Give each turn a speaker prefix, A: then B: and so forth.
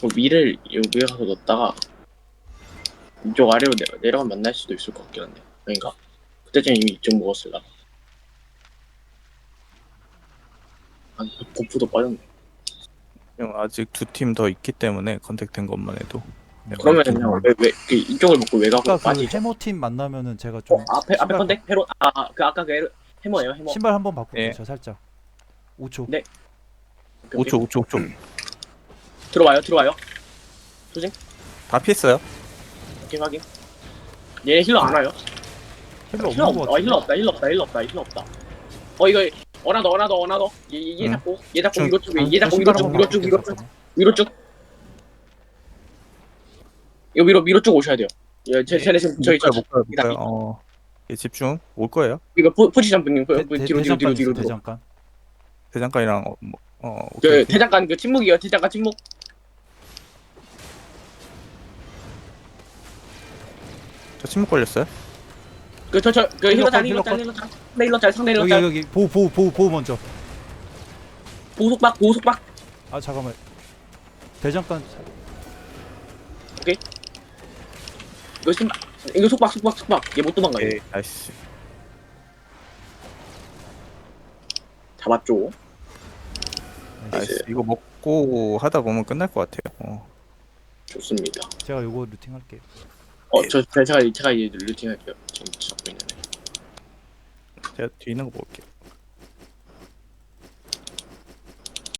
A: 그 위를 여기에 가서 넣었다가 이쪽 아래로 내려가면 만날 수도 있을 것 같긴 한데 아닌가? 그때쯤 이미 이쪽 먹었을라. 아니 버프도 빠졌네.
B: 형 아직 두 팀 더 있기 때문에 컨택된 것만 해도
A: 그러면 그냥 왜 이쪽을 먹고 왜 가고
C: 아까 그
A: 빠지죠?
C: 해머팀 만나면은 제가 좀
A: 앞에
C: 신발
A: 컨택 해로 그 아까 그 해머예요 해머.
C: 신발 한번 바꿀게요.
B: 예.
C: 저 살짝 5초.
A: 네.
B: 5초 5초
A: 들어와요.
B: 다 피했어요.
A: 오케이 확인. 얘 힐러 안 와요.
C: 힐러
A: 힐러
C: 없는 거
A: 없다.
C: 같은데.
A: 힐러 없다. 이거 어나더. 얘 잡고
B: 좀-
A: 위로 쭉
C: 저
A: 위로
C: 신발
A: 쭉
C: 한번 바꿀게요, 잠깐만.
A: 위로 쭉. 이거 위로 쭉 오셔야 돼요. 쟤네 지금 저희
B: 못 가요. 예, 집중 올 거예요.
A: 이거 포지션 분님 뒤로.
C: 대장간 있어, 대장간.
B: 대장간이랑
A: 그
B: 오케이.
A: 대장간 그 침묵이요. 대장간 침묵.
B: 저 침묵 걸렸어요.
A: 그 힐러 짤
C: 힐러
A: 상대 힐러
C: 여기
A: 짤
C: 여기 보호 먼저.
A: 보석박
C: 아 잠깐만. 대장간
A: 이거 속박 얘 못 도망가요.
B: 오케이 나이스.
A: 잡았죠.
B: 나이스. 이거 먹고 하다 보면 끝날 것 같아요.
A: 좋습니다.
C: 제가 요거 루팅 할게요.
A: 제가 이제 루팅 할게요. 지금 잡고 있는데.
B: 제가 뒤에 있는 거 볼게요.